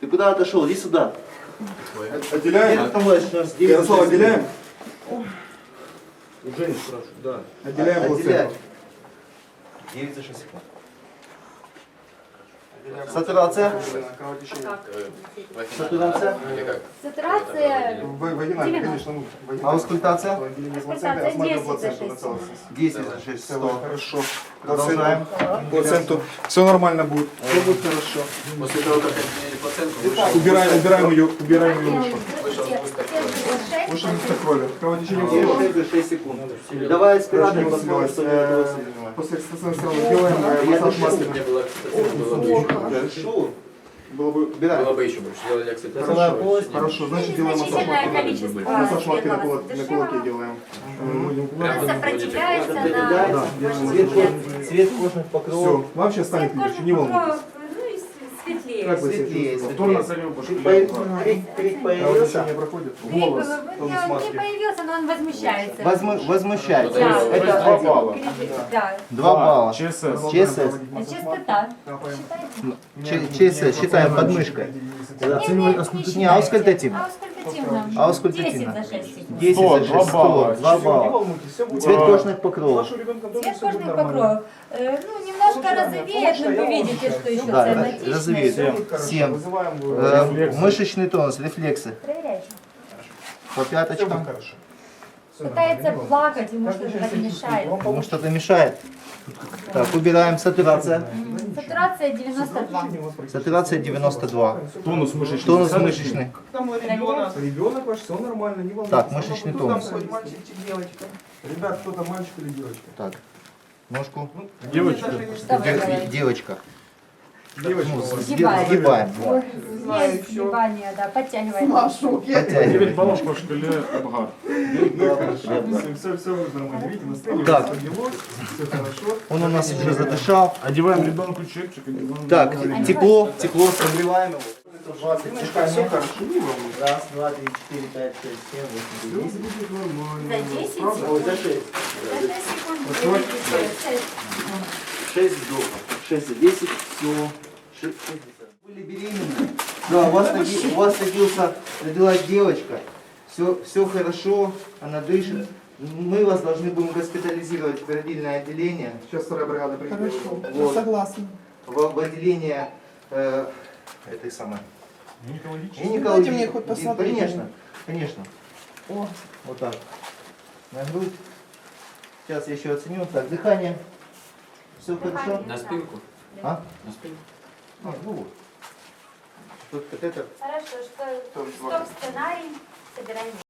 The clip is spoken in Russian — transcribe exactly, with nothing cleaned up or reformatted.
Ты куда отошел? Иди сюда. Отделяем? Там дальше у нас девять за Ярослав, шесть отделяем? У Жени спрашиваю, да. Отделяем Отделяй. плаценту. девять за шесть секунд. Сатурация. Сатурация. Сатурация Вагинально, девяносто. конечно. ну, А вагинально. аускультация? Отделение Аускультация плаценты, осмотрим десять за плаценту шесть на целостность. десять за шесть. Все, сто. хорошо. Продолжаем. Плаценту. Все нормально будет. Все будет хорошо. После того, как отменили плаценту, вышел, Убираем, убираем ее, убираем ее выше. вышел сгусток крови. Выше место крови. Кровотечение девять всего. за шесть секунд. Давай аспиратор Очень посмотрим, сильно. что Э, это. После экстрасенса сразу делаем э, Я массаж дышу. маски. У меня была окситоцин, было бы еще больше. Хорошо. Было бы... Убираем. Было бы еще больше. Делали окситоцин. Носовая полость. Хорошо, значит делаем массаж Незначительное маски. количество Массаж маски на, кулак, светлого на кулаке делаем. Мы будем Прям Он вот сопротивляется вводите. на Да, кожных Цвет, реакциях. ко- цвет кожных Все, покровов. вам сейчас станет Цвет легче, не кожных волнуйтесь. покровов, ну и с- светлее. Как вы себя Светлее, чувствуете? Повторно назовем, Крик, пошли. по- крик- крик появился. Кровотечение проходит? Крик, Голос. ну, Тонус не, не маски. появился, но он возмущается. Возму- возмущается. Да, Это да, один. балла. Да. Два балла. ЧСС. ЧСС. Частота. Ч- ЧСС считаем подмышкой. Не, аускультативно. Аускультативно. Аускультативно. десять за шесть секунд. десять за шесть. два балла. Два Не балла. волнуйтесь, все будет. Цвет кожных покровов. Цвет кожных покровов. Э, ну, немножко розовеет, но вы видите, что еще Да, цианотичный. розовеет. Семь. Вызываем Э, Мышечный тонус, рефлексы. Проверяйте. По Все будет пяточкам. хорошо. Пытается плакать, ему что-то так мешает. Ему что-то мешает. Так, убираем сатурация. Сатурация девяносто два. Сатурация девяносто два. Тонус мышечный. Тонус мышечный. Там ребенок. Ребенок ваш, все нормально, не волнуйтесь. Так, мышечный Кто тонус. там хоть мальчик, девочка? Ребят, кто там, мальчик или девочка? Так, ножку. Девочка. Что вы Де- делаете? Девочка. Девочка Ну, у вас. Сгибаем. Сгибаем. Ой, Знаю, есть всё. сгибание, да, подтягиваем. Машу, я Подтягиваем. девять баллов по шкале Абгар. Все, все, все будет нормально. Видите, настроение Так. поднялось, все хорошо. Он у нас уже задышал. Одеваем ребенку чепчик. одеваем Так, ребенку. тепло, тепло, согреваем его. Немножко все хорошо, не волнуйтесь. Раз, два, три, четыре, пять, шесть, семь, восемь, Все девять. будет нормально. За десять Правда? Ой, за шесть. За шесть секунд Вот вы вот. видите шесть. Шесть вдохов. Шесть за десять. Все. Шесть. Были беременны. Да, у вас, роди- у вас родился, родилась девочка. Все, все хорошо, она дышит. Мы вас должны будем госпитализировать в родильное отделение. Сейчас вторая бригада приедет. Хорошо, Вот. согласна. В, в отделение э, этой самой. Гинекологический. Дайте мне хоть посмотреть. Конечно, конечно. О, Вот так. На грудь. Сейчас я еще оценю. Так, дыхание. Все хорошо? На спинку. А? На спинку. А, ну вот. Тут вот это. Хорошо, что Стоп, стоп сценарий, собираем.